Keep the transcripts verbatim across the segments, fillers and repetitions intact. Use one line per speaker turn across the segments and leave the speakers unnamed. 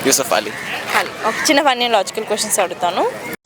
యూసఫ్ అలీ.
అలీ. ఒక చిన్న funny logical questions అడుగుతాను.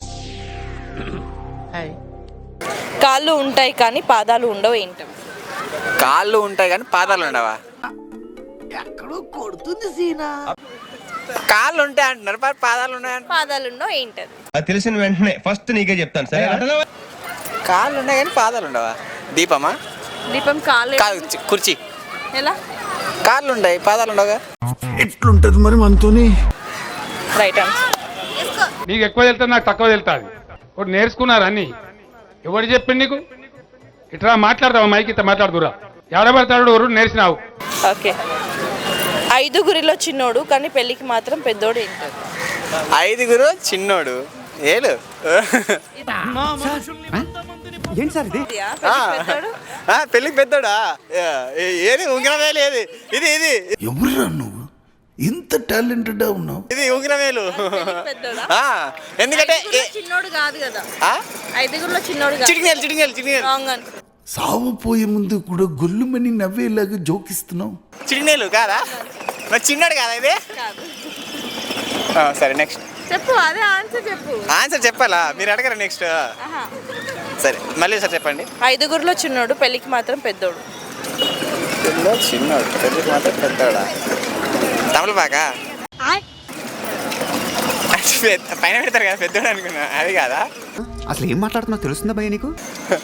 కాళ్ళు ఉంటాయి కానీ పాదాలు ఉండవు ఏంటవి?
కాళ్ళు ఉంటాయి కానీ పాదాలు ఉండవా?
ఎక్కడో కొడుతుంది సీనా.
కాళ్ళు ఉంటాయి అంటున్నారు, పాదాలు ఉన్నాయి.
పాదాలు ఉండవు ఏంటది?
అది తెలిసిన వెంటనే ఫస్ట్ నీకే చెప్తాను సరే.
కాళ్ళు ఉన్నాయి కానీ పాదాలు ఉండవా? దీపమా?
దీపం కాళ్ళు
కాదు, కుర్చీ.
ఎలా?
కాళ్ళు ఉంటాయి పాదాలు ఉండవుగా.
ఎట్లుంటది మరి మనతోని?
Right answer.
నీకు ఎక్కువ తెలుస్తుంది, నాకు తక్కువ తెలుస్తుంది. ఒకటి నేర్చుకున్నారు అన్ని. ఎవరు చెప్పింది నీకు? ఇట్లా మాట్లాడతావా? మైకి ఇట్లా మాట్లాడుతురా. ఎవడబడతాడు ఎవరు నేర్చినావు?
ఓకే. ఐదుగురిలో చిన్నోడు కానీ పెళ్ళికి మాత్రం పెద్దోడు ఏంటది?
ఐదుగురు చిన్నోడు ఏడు.
ఏంటి సార్ ఇది?
పెళ్ళికి పెద్దోడా? ఏది ఉంగరమేలు? ఏది ఇది? ఇది
ఎవరురా నువ్వు ఇంత టాలెంటెడ్ ఉన్నావు?
ఇది ఉంగరమేలు. ఎందుకంటే
చిన్నోడు కాదు కదా. ఐదుగురిలో చిన్నోడు
చిటికినేలు చిటికినేలు చిటికినేలు.
సావు పోయే ముందు కూడా గొల్లుమని నవ్వేలాగా జోకిస్తున్నావు.
చిటికినేలు కాదా? మరి చిన్నోడు కాదా ఇది? సరే నెక్స్ట్
చెప్పు. అదే ఆన్సర్ చెప్పు.
ఆన్సర్ చెప్పాలా? మీరు అడగరా నెక్స్ట్? సరే మళ్ళీ సార్ చెప్పండి.
ఐదుగురిలో చిన్నోడు పెళ్ళికి మాత్రం పెద్దోడు.
చిన్నోడు పెళ్ళికి మాత్రం పెద్దోడా? తమలపాకా? పైన పెడతారు కదా పెద్దోడు అనుకున్నా, అది కాదా?
అసలు ఏం మాట్లాడుతున్నావు తెలుస్తుందా భయ్య నీకు?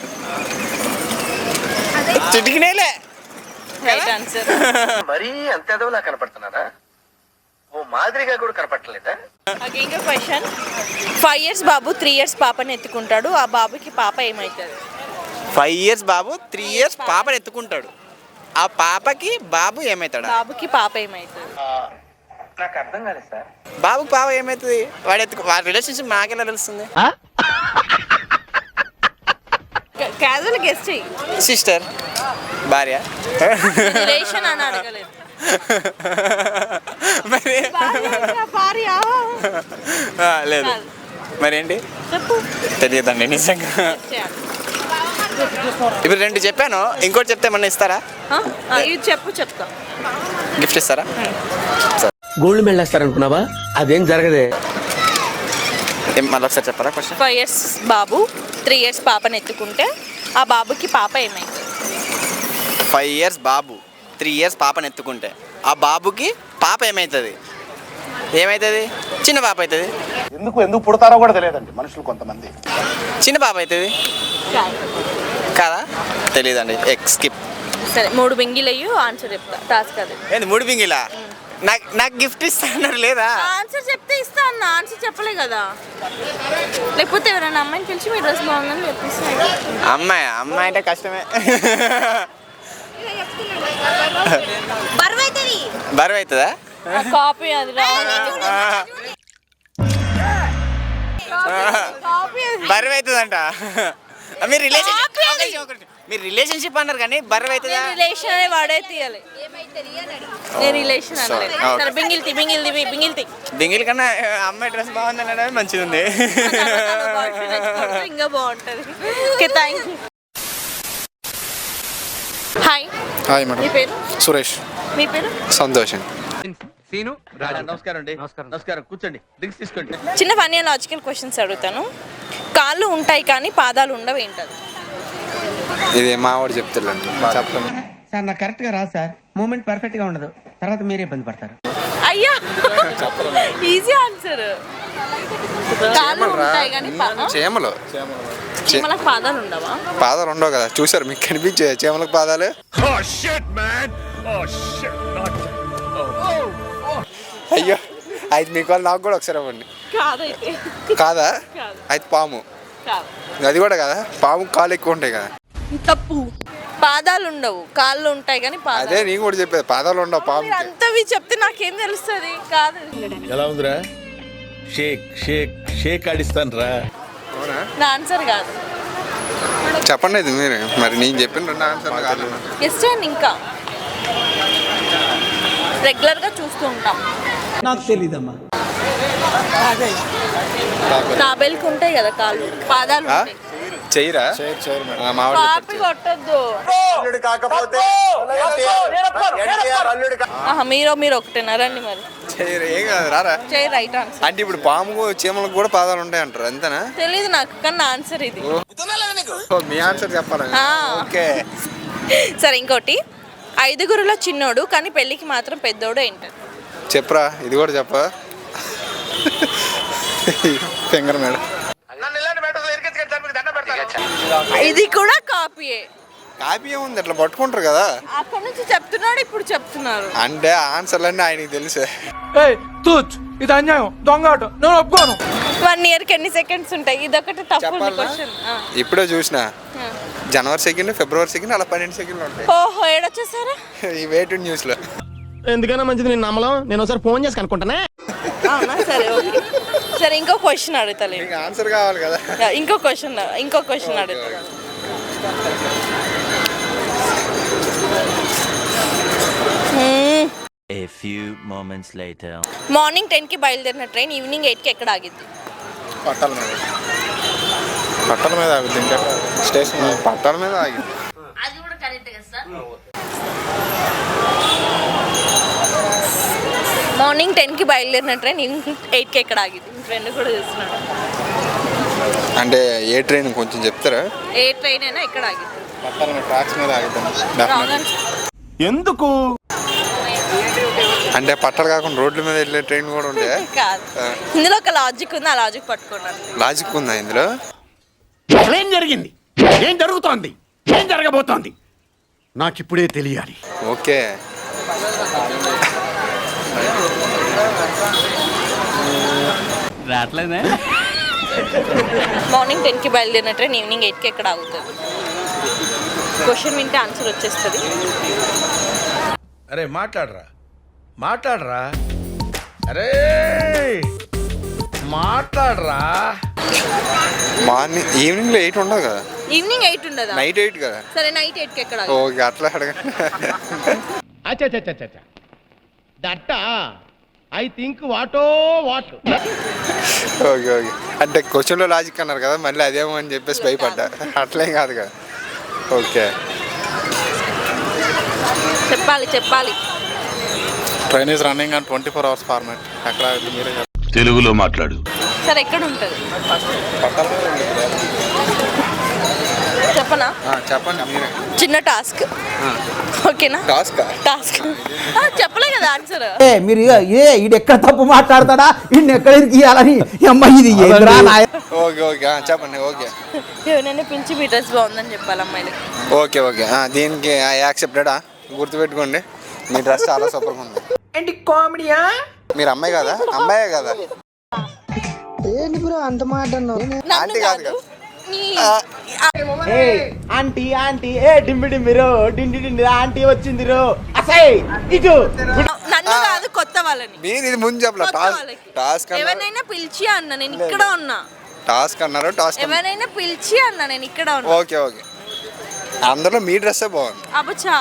చిటికినేలే.
Right answer.
మరీ అంత ఎదవలా కనపడుతున్నారా? ఓ మాదిరిగా కూడా కనపడలేదా?
ఇంకో క్వశ్చన్. ఫైవ్ ఇయర్స్ బాబు త్రీ ఇయర్స్ పాపని ఎత్తుకుంటాడు, ఆ బాబుకి పాప ఏమవుతుంది?
ఫైవ్ ఇయర్స్ బాబు త్రీ ఇయర్స్ పాపని ఎత్తుకుంటాడు, ఆ పాపకి బాబు ఏమవుతాడు?
బాబుకి పాప ఏమవుతుంది?
నాకు అర్థం కాలేదు సార్.
బాబుకి పాప ఏమవుతుంది? వాడు ఎత్తు వాడి రిలేషన్షిప్ నాకెలా తెలుస్తుంది?
క్యాజువల్ గెస్ట్ చెయ్యి.
సిస్టర్, భార్య,
రిలేషన్ అని అడగలేదు.
మరి లేదు మరేంటి తెలియదండి నిజంగా. ఇప్పుడు రెండు చెప్పాను, ఇంకోటి చెప్తే ఏమన్నా ఇస్తారా?
ఇది చెప్పు చెప్తా.
గిఫ్ట్ ఇస్తారా?
గోల్డ్ మెడల్ వేస్తారనుకున్నావా? అదేం జరగదే.
మళ్ళీ ఒకసారి చెప్పారా క్వశ్చన్?
ఫైవ్ ఇయర్స్ బాబు త్రీ ఇయర్స్ పాపని ఎత్తుకుంటే ఆ బాబుకి పాప ఏమైంది?
ఫైవ్ ఇయర్స్ బాబు త్రీ ఇయర్స్ పాపని ఎత్తుకుంటే ఆ బాబుకి పాప ఏమవుతుంది? ఏమవుతుంది? చిన్న పాప అవుతుంది.
ఎందుకు ఎందుకు పుడతారో కూడా తెలియదండి మనుషులు కొంతమంది.
చిన్న పాప అవుతుంది కాదా? తెలియదండి. ఎక్ స్కిప్.
సరే మూడు బింగిలు అయ్యి ఆన్సర్ చెప్తా. టాస్క్ అది.
ఏంది మూడు బింగిలా? నాకు నాకు గిఫ్ట్ ఇస్తా అన్నారు లేదా?
ఆన్సర్ చెప్తే ఇస్తా అన్న. ఆన్సర్ చెప్పలే కదా. లేకపోతే ఎవరైనా అమ్మాయిని పిలిచి మీ డ్రెస్ బాగుందని చెప్పిస్తాను.
అమ్మాయి అమ్మాయి అంటే కష్టమే. బరువు అవుతుందా?
కాపీ అది
బరువు అవుతుందంట. మీరు రిలేషన్షిప్ మీరు రిలేషన్షిప్ అన్నారు కానీ బరువు అవుతుందా?
రిలేషన్ అనే వాడే తీయాలి. నేను రిలేషన్ అనలేదు. సరే బింగిల్తి బింగిల్తి బింగిల్తి
బింగిల్ కన్నా అమ్మాయి డ్రెస్ బాగుంది అనడం మంచిగా ఉంది.
ఇంకా బాగుంటుంది. Okay thank you. Hi.
Hi madam.
మీ పేరు?
సురేష్.
మీ పేరు?
సంతోషం.
సీను నమస్కారం అండి. నమస్కారం. నమస్కారం. కూర్చోండి, డ్రింక్స్ తీసుకోండి.
చిన్న ఫన్నీ లాజికల్ క్వశ్చన్స్ అడుగుతాను. కాళ్ళు ఉంటాయి కానీ పాదాలు ఉండవు ఏంటది?
ఇది మా వాడు చెప్తున్నాను చెప్పండి
సార్. నాకు కరెక్ట్ గా రాదు సార్. మూమెంట్ పర్ఫెక్ట్ గా ఉండదు, తర్వాత మీరే ఇబ్బంది పడతారు.
అయ్యా ఈజీ ఆన్సర్. కాళ్ళు ఉంటాయి కానీ
చేమలు
చీమలకు పాదాలు ఉండవా?
పాదాలు ఉండవు కదా, చూసారు మీకు కనిపించే చీమలకు పాదాలు. అయ్యో అయితే మీకు వాళ్ళు నాకు కూడా ఒకసారి ఇవ్వండి.
కాదైతే
కాదా? అయితే పాము. అది కూడా కదా, పాము కాళ్ళు ఎక్కువ ఉంటాయి కదా.
తప్పు. పాదాలు ఉండవు, కాళ్ళు ఉంటాయి కానీ పాదాలు.
అదే నేను కూడా చెప్పేది, పాదాలు ఉండవు పాము.
అంతవి చెప్తే నాకేం తెలుస్తుంది? కాదు.
ఎలా ఉందిరా? షేక్ షేక్ షేక్ ఆడిస్తాను రా.
నా ఆన్సర్ కాదు.
చెప్పండి ఇది మీరు. మరి నేను చెప్పిన రెండు ఆన్సర్ కాదు.
గెస్ట్ చేయండి. ఇంకా రెగ్యులర్ గా చూస్తూ ఉంటాం.
నాకు తెలీదమ్మా.
తాబేలుకి ఉంటాయి కదా కాళ్ళు, పాదాలు ఉంటాయి.
చెయ్యరా?
కాపీ కొట్టద్దు. మీరు మీరు ఒకటేనా? రండి మరి.
చేయరు ఏం కాదు రారా.
చేయి రైట్ ఆన్సర్.
అంటే ఇప్పుడు పాము చీమలకు కూడా పాదాలు ఉంటాయి అంటారు అంతేనా?
తెలీదు నాకు, కానీ నా ఆన్సర్ ఇది.
ఓ, మీ ఆన్సర్ చెప్పాలి.
ఆ.
ఓకే
సరే ఇంకోటి, ఐదుగురులో చిన్నోడు కానీ పెళ్ళికి మాత్రం పెద్దోడు ఏంటది?
చెప్పరా, ఇది కూడా చెప్పా. Finger madam.
నన్ను ఇలాంటి మ్యాటర్స్ ఇరికించుకొని చంపి దండం పెడతాను.
ఇది కూడా కాపీయే.
కాపీ ఏముంది, అట్లా పట్టుకుంటారు కదా.
అక్కడ నుంచి చెప్తున్నాడు, ఇప్పుడు చెప్తున్నారు.
అంటే ఆన్సర్లన్నీ ఆయనకి తెలుసే.
ఇది అన్యాయం, దొంగ ఆట, నేను ఒప్పుకోను.
వన్ ఇయర్ కి ఎన్ని సెకండ్స్ ఉంటాయి? ఇదొకటి తప్పు
చెప్పాలా?
క్వశ్చన్.
ఇప్పుడే చూసిన జనవరి సెకండ్ ఫిబ్రవరి సెకండ్ అలా పన్నెండు సెకండ్లు ఉంటాయి
ఓహో, ఏడొచ్చేసారా?
ఈ వెయిట్ న్యూస్ లో.
ఎందుకైనా మంచిది నేను నమ్మలం, నేను ఒకసారి ఫోన్ చేసి కనుక్కుంటానే.
అవునా? సరే ఓకే. సరే ఇంకో క్వశ్చన్ అడుగుతలే.
మీకు ఆన్సర్ కావాలి కదా.
ఇంకో క్వశ్చన్ ఇంకో క్వశ్చన్ అడుగుతా.
A few moments later.
Morning ten కి బయలుదేరిన ట్రైన్ ఈవినింగ్ ఎయిట్ కి ఎక్కడ ఆగిద్ది?
పట్టాల మీద పట్టాల మీద ఆగుద్ది. ఇంకా స్టేషన్ పట్టాల మీద ఆగింది.
అది కూడా కరెక్ట్ కదా సార్. మార్నింగ్ టెన్ కి బయలుదేరిన ట్రైన్ ఈవినింగ్ ఎయిట్ కి ఎక్కడ ఆగిద్ది? మీ ఫ్రెండ్ కూడా చూస్తున్నాడు.
అంటే ఏ ట్రైన్ కొంచెం చెప్తారా?
ఏ ట్రైన్ అయినా ఎక్కడ ఆగిద్ది?
పట్టాల మీద ట్రాక్స్ మీద ఆగుద్దాం.
ఎందుకు?
అంటే పట్టాలు కాకుండా రోడ్ల మీద వెళ్ళే ట్రైన్ కూడా ఉండే.
కాదు, ఇందులో ఒక లాజిక్ ఉంది, ఆ లాజిక్ పట్టుకున్నాను.
లాజిక్ ఉందా ఇందులో?
ఏం జరిగింది? ఏం జరుగుతోంది? ఏం జరగబోతోంది? నాకు ఇప్పుడే తెలియాలి.
ఓకే.
రావట్లేదే.
మార్నింగ్ టెన్ కి బయలుదేరిన ట్రైన్ ఈవినింగ్ ఎయిట్ కి ఎక్కడ ఆగుతుంది? క్వశ్చన్ వింటే ఆన్సర్ వచ్చేస్తుంది.
అరే మాట్లాడరా మాట్లాడరా అరే మాట్లాడరా.
మార్నింగ్ ఈవినింగ్ లో ఎయిట్ ఉండదు కదా.
ఈవినింగ్ ఎయిట్ ఉండదా?
నైట్ ఎయిట్ కదా.
సరే నైట్ ఎయిట్ కి ఎక్కడ ఆగుతుంది?
ఓకే, అట్లా అడగండి.
దట్ ఐ థింక్ వాటో వాట్.
Okay okay. అంటే క్వశ్చన్ లో లాజిక్ అన్నారు కదా, మళ్ళీ అదేమో అని చెప్పేసి భయపడ్డా. అట్లేం కాదు కదా. ఓకే,
చెప్పాలి చెప్పాలి
train is running on twenty four hours format. ఎక్కడ మీరే
తెలుగులో మాట్లాడు.
సరే ఎక్కడ ఉంటుంది చెప్పనా?
చెప్పండి మీరే.
చిన్న టాస్క్, ఓకేనా?
టాస్క్
టాస్క్ చెప్పలే కదా ఆన్సర్.
మీరు ఏ ఇది ఎక్కడ తప్పు మాట్లాడతాడా, ఇన్ని ఎక్కడ ఇవ్వాలని అమ్మాయి ఇది ఎదురా నాయ.
ఓకే ఓకే చెప్పండి. ఓకే,
ఎవరైనా పిలిచి మీ డ్రెస్ బాగుందని చెప్పాలి అమ్మాయిలకి.
ఓకే ఓకే దీనికి యాక్సెప్టెడా? గుర్తుపెట్టుకోండి, మీ డ్రెస్ చాలా సూపర్గా ఉంది.
ఏంటి కామెడీయా?
మీరు అమ్మాయి కదా? అమ్మాయే కదా?
ఏంటి బ్రో అంత మాట అన్నావు?
నన్ను
ఆంటీ కాదు
కాదు,
కదా.
నీ
ఏ ఆంటీ ఆంటీ ఏ డింబి డింబి రో డిండి డిండి ఆంటీ వచ్చింది రో అసై ఇటు.
నన్ను కాదు, కొత్త వాళ్ళని.
మీరు ఇది ముందు చెప్పలే.
కొత్త
టాస్క్
వాళ్ళకి
టాస్క్ అన్నారు.
ఎవరినైనా పిలిచి అన్న, నేను ఇక్కడ ఉన్నా.
టాస్క్ అన్నారు. టాస్క్
ఎవరైనా పిలిచి అన్న, నేను ఇక్కడ ఉన్నా.
Okay okay. అందులో మీ డ్రెస్సే బాగుంది.
అబ్బచ్చా,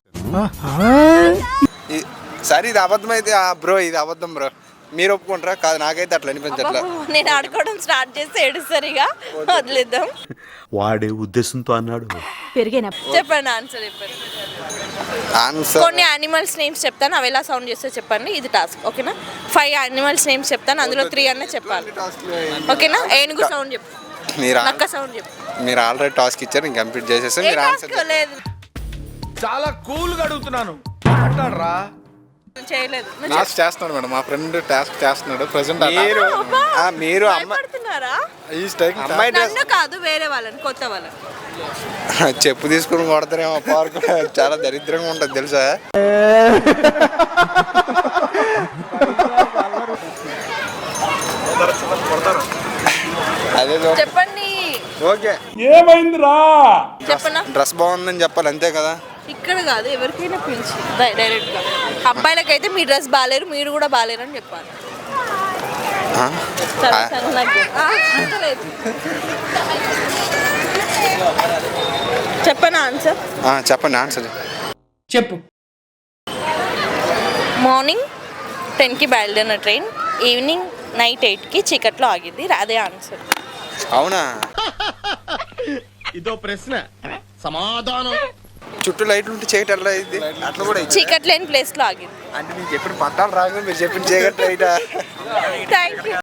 ఈ- సరే ఇది అబద్ధం అయితే బ్రో, ఇది అబద్ధం బ్రో. మీరు ఒప్పుకుంటారా? కాదు, నాకైతే అట్లా అనిపించట్లా.
నేను ఆడుకోవడం స్టార్ట్ చేస్తే ఏడుసరిగా వదిలేద్దాం.
వాడే ఉద్దేశంతో అన్నాడు.
చెప్పండి ఆన్సర్ చెప్పండి.
ఆన్సర్
కొన్ని యానిమల్స్ నేమ్స్ చెప్తాను, అవి ఎలా సౌండ్ చేస్తే చెప్పండి. ఇది టాస్క్, ఓకేనా? ఫైవ్ యానిమల్స్ నేమ్స్ చెప్తాను, అందులో త్రీ అన్న చెప్పాలి, ఓకేనా? ఏనుగు సౌండ్ చెప్పు,
మీరు
నక్క సౌండ్ చెప్పు.
మీరు ఆల్రెడీ టాస్క్ ఇచ్చారు, నేను కంప్లీట్ చేసేసి
ఏ
మీరు ఆన్సర్
టాస్క్ లేదు,
చాలా కూల్ గా అడుగుతున్నాను మాట్లాడరా.
చేయలేదు. నువ్వు
టాస్క్ చేస్తున్నాడు మేడం, మా ఫ్రెండ్ టాస్క్ చేస్తున్నాడు ప్రెసెంట్. మీరు ఆ, మీరు అమ్మ
భయపడుతున్నారా?
ఈ స్టైక్ అమ్మాయి డ్రెస్
నన్ను కాదు, వేరే వాళ్ళని, కొత్త వాళ్ళని.
చెప్పు తీసుకుని కొడతారేమో. పార్క్ చాలా దరిద్రంగా ఉంటుంది తెలుసా. అదే
చెప్పండి.
ఓకే.
ఏమైందిరా?
చెప్పనా?
డ్రెస్ బాగుందని చెప్పాలి, అంతే కదా.
ఇక్కడ కాదు, ఎవరికైనా పిలిచి డైరెక్ట్ గా. అబ్బాయిలకైతే మీ డ్రెస్ బాగాలేరు, మీరు కూడా బాగాలేరు అని చెప్పాలి.
ఆ?
సరే, సరే, నాకు ఆ, అంతలేదు. చెప్పనా ఆన్సర్?
ఆ, చెప్పండి ఆన్సర్.
చెప్పు.
మార్నింగ్ టెన్కి బయలుదేరిన ట్రైన్ ఈవినింగ్ నైట్ ఎయిట్కి చీకట్లో ఆగింది, అదే ఆన్సర్.
అవునా?
ఇదో ప్రశ్న, సమాధానం
చుట్టూ లైట్లు ఉంటే చీకటి ఎలా అయింది అట్లా కూడా అవుతుందా?
చీకటి లేని ప్లేస్లో ఆగింది.
అంటే నేను చెప్పిన పట్టాలు రాగా మీరు చెప్పిన చీకటి లైటా
థ్యాంక్ యూ.